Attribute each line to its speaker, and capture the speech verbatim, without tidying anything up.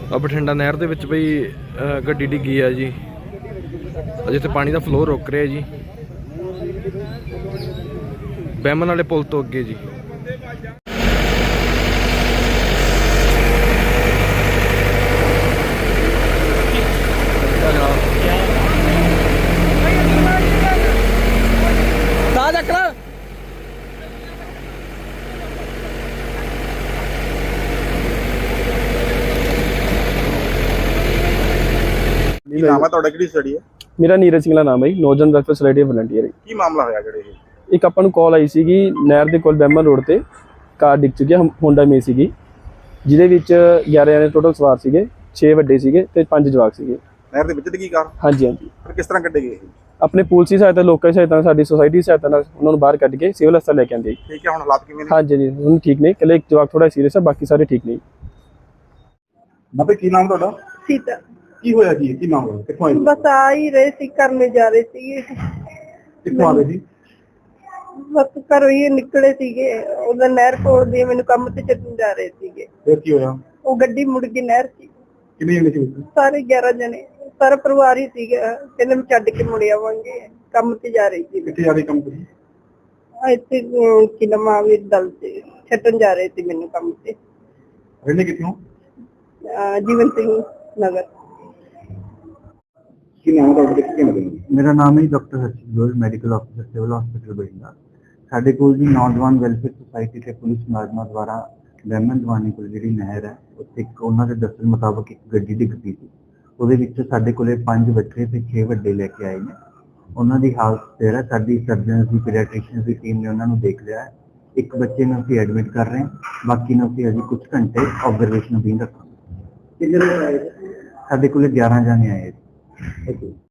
Speaker 1: ਆ ਬਠਿੰਡਾ ਨਹਿਰ ਦੇ ਵਿੱਚ ਬਈ ਗੱਡੀ ਡਿੱਗੀ ਆ ਜੀ। ਜਿੱਥੇ ਪਾਣੀ ਦਾ ਫਲੋ ਰੁਕ ਰਿਹਾ ਜੀ, ਬੈਮਨ ਵਾਲੇ ਪੁਲ ਤੋਂ ਅੱਗੇ ਜੀ।
Speaker 2: ਕੀ ਨਾਮ ਹੈ ਤੁਹਾਡਾ, ਕਿਹੜੀ ਸਟੱਡੀ ਹੈ?
Speaker 3: ਮੇਰਾ ਨੀਰਜ ਸਿੰਘਲਾ ਨਾਮ ਹੈ ਜੀ, ਨੌਜਵਾਨ ਵੈਲਫੇਅਰ ਸੋਸਾਇਟੀ ਵਲੰਟੀਅਰ।
Speaker 2: ਕੀ ਮਾਮਲਾ ਹੋਇਆ ਜਿਹੜੇ ਇਹ?
Speaker 3: ਇੱਕ ਆਪਾਂ ਨੂੰ ਕਾਲ ਆਈ ਸੀਗੀ ਨਹਿਰ ਦੇ ਕੋਲ ਬੈਮਨ ਰੋਡ ਤੇ ਕਾਰ ਡਿੱਗ ਚੁੱਕੀ ਹੈ, ਹੋਂਡਾ ਮੇ ਸੀਗੀ, ਜਿਹਦੇ ਵਿੱਚ ਗਿਆਰਾਂ ਜਣੇ ਟੋਟਲ ਸਵਾਰ ਸੀਗੇ, ਛੇ ਵੱਡੇ ਸੀਗੇ ਤੇ ਪੰਜ ਜਵਾਕ ਸੀਗੇ।
Speaker 2: ਨਹਿਰ ਦੇ ਵਿੱਚ ਡਿੱਗੀ ਕਾਰ? ਹਾਂਜੀ
Speaker 3: ਹਾਂਜੀ।
Speaker 2: ਫਿਰ ਕਿਸ ਤਰ੍ਹਾਂ ਕੱਢੇ ਗਏ?
Speaker 3: ਆਪਣੇ ਪੁਲਿਸ ਸਹਾਇਤਾ, ਲੋਕਾਂ ਦੀ ਸਹਾਇਤਾ, ਸਾਡੀ ਸੋਸਾਇਟੀ ਦੀ ਸਹਾਇਤਾ ਨਾਲ ਉਹਨਾਂ ਨੂੰ ਬਾਹਰ ਕੱਢ ਕੇ ਸਿਵਲ ਹਸਪਤਾਲ ਲੈ ਕੇ ਆਂਦੇ।
Speaker 2: ਠੀਕ ਹੈ, ਹੁਣ ਹਾਲਾਤ ਕਿਵੇਂ ਨੇ?
Speaker 3: ਹਾਂਜੀ ਜੀ, ਹੁਣ ਠੀਕ ਨੇ, ਇਕੱਲੇ ਇੱਕ ਜਵਾਕ ਥੋੜਾ ਸੀਰੀਅਸ ਹੈ, ਬਾਕੀ ਸਾਰੇ ਠੀਕ ਨੇ।
Speaker 2: ਬਾਬੇ ਕੀ ਨਾਮ ਤੁਹਾਡਾ?
Speaker 4: सीता।
Speaker 2: ਕੀ ਹੋਇਆ ਜੀ? ਕੀ ਨਾਮ ਹੋਇਆ? ਕਿੱਥੋਂ ਆਏ?
Speaker 4: बस आ ही रहे थे, करने जा रहे थे।
Speaker 2: ਕਿੱਥੋਂ ਆਏ ਜੀ?
Speaker 4: बस घरों ही निकले सीगे, उधर नहर कोल दी मैंने काम ते चलने जा रहे सीगे।
Speaker 2: ਫਿਰ ਕੀ ਹੋਇਆ?
Speaker 4: वो गड्डी मुड़ गई नहर च।
Speaker 2: ਕਿੰਨੇ ਜਣੇ ਸੀ ਵਿੱਚ?
Speaker 4: सारे ग्यारह जने, सारा परिवार ही सीगे। कहने मैं छड्ड के मुड़ आवांगे, काम ते जा रही थी।
Speaker 2: ਕਿੱਥੇ ਜਾ ਰਹੀ ਕੰਮ ਤੇ?
Speaker 4: ਇੱਥੇ ਕਿ ਨਵਾਂ ਵੀ ਦਲ ਤੇ ਛੱਡਣ ਜਾ ਰਹੇ ਸੀ ਮੈਨੂੰ ਕੰਮ ਤੇ।
Speaker 2: ਰਹਿੰਦੇ ਕਿੱਥੋਂ?
Speaker 4: ਅਹ ਜੀਵਨ ਸਿੰਘ ਨਗਰ।
Speaker 2: ਕੀ ਨਾਮ ਤੁਹਾਡਾ, ਕਿੱਥੇ ਰਹਿੰਦੇ?
Speaker 5: मेरा नाम है doctor Harshit Goyal, medical officer civil hospital Bathinda. ਸਾਡੇ ਕੋਲ ਜੀ ਨੌਜਵਾਨ ਵੈਲਫੇਅਰ ਸੁਸਾਇਟੀ ਤੇ ਪੁਲਿਸ ਮੁਲਾਜ਼ਮਾਂ ਦੁਆਰਾ ਬੈਮਨ ਦਵਾਨੀ ਕੋਲ ਜਿਹੜੀ ਨਹਿਰ ਹੈ ਉੱਥੇ ਇੱਕ ਉਹਨਾਂ ਦੇ ਦੱਸਣ ਮੁਤਾਬਕ ਇੱਕ ਗੱਡੀ ਡਿੱਗ ਪਈ ਸੀ। ਉਹਦੇ ਵਿੱਚ ਸਾਡੇ ਕੋਲੇ ਪੰਜ ਬੱਚੇ ਤੇ ਛੇ ਵੱਡੇ ਲੈ ਕੇ ਆਏ ਨੇ। ਉਹਨਾਂ ਦੀ ਹਾਲਤ ਸਥਿਰ ਹੈ। ਸਾਡੀ ਸਰਜਨਸ ਦੀ ਪੀਡੀਆਟ੍ਰਿਸ਼ੀਅਨ ਦੀ ਟੀਮ ਨੇ ਉਹਨਾਂ ਨੂੰ ਦੇਖ ਲਿਆ ਹੈ। ਇੱਕ ਬੱਚੇ ਨੂੰ ਅਸੀਂ ਐਡਮਿਟ ਕਰ ਰਹੇ ਹਾਂ, ਬਾਕੀ ਨੂੰ ਅਸੀਂ ਅਜੇ ਕੁਝ ਘੰਟੇ ਆਬਜ਼ਰਵੇਸ਼ਨ ਅਧੀਨ ਰੱਖਾਂਗੇ। ਕਿੰਨੇ ਲੋਕ ਆਏ? ਸਾਡੇ ਕੋਲੇ ਗਿਆਰਾਂ ਜਣੇ ਆਏ।